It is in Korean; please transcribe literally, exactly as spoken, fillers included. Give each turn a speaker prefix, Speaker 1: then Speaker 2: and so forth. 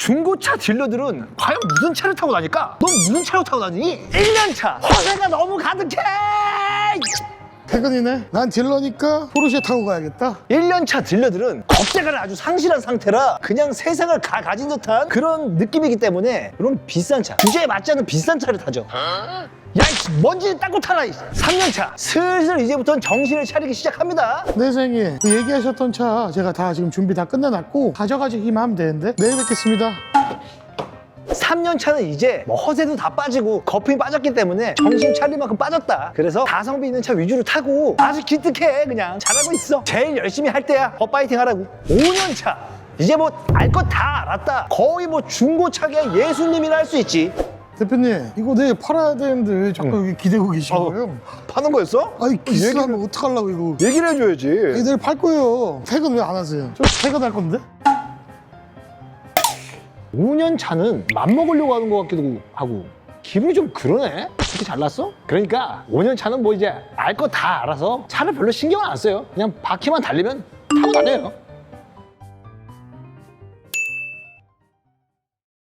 Speaker 1: 중고차 딜러들은 과연 무슨 차를 타고 다닐까? 넌 무슨 차를 타고 다니니? 일 년 차 허세가 너무 가득해!
Speaker 2: 퇴근이네. 난 딜러니까 포르쉐 타고 가야겠다.
Speaker 1: 일 년 차 딜러들은 겁대가를 아주 상실한 상태라 그냥 세상을 가, 가진 듯한 그런 느낌이기 때문에 그런 비싼 차, 규제에 맞지 않는 비싼 차를 타죠. 야, 이씨, 먼지 닦고 타라. 삼 년 차 슬슬 이제부터는 정신을 차리기 시작합니다.
Speaker 2: 네, 선생님. 그 얘기하셨던 차 제가 다 지금 준비 다 끝내놨고 가져가시기만 하면 되는데 내일 뵙겠습니다.
Speaker 1: 삼 년 차는 이제 뭐 허세도 다 빠지고 거품이 빠졌기 때문에 정신 차릴 만큼 빠졌다. 그래서 가성비 있는 차 위주로 타고 아주 기특해. 그냥 잘하고 있어. 제일 열심히 할 때야. 더 파이팅 하라고. 오 년 차 이제 뭐 알 것 다 알았다. 거의 뭐 중고차계 예수님이라 할 수 있지.
Speaker 2: 대표님, 이거 내일 팔아야 되는데 왜 자꾸 여기 기대고 계신
Speaker 1: 어,
Speaker 2: 거예요?
Speaker 1: 파는 거였어?
Speaker 2: 아니, 기스하면 어떡하려고 이거.
Speaker 1: 얘기를 해줘야지.
Speaker 2: 이거 내일 팔 거예요. 퇴근 왜 안 하세요? 저 퇴근할 건데?
Speaker 1: 오 년 차는 맘먹으려고 하는 것 같기도 하고 기분이 좀 그러네? 그렇게 잘났어? 그러니까 오 년 차는 뭐 이제 알 거 다 알아서 차를 별로 신경 안 써요. 그냥 바퀴만 달리면 타고 다녀요.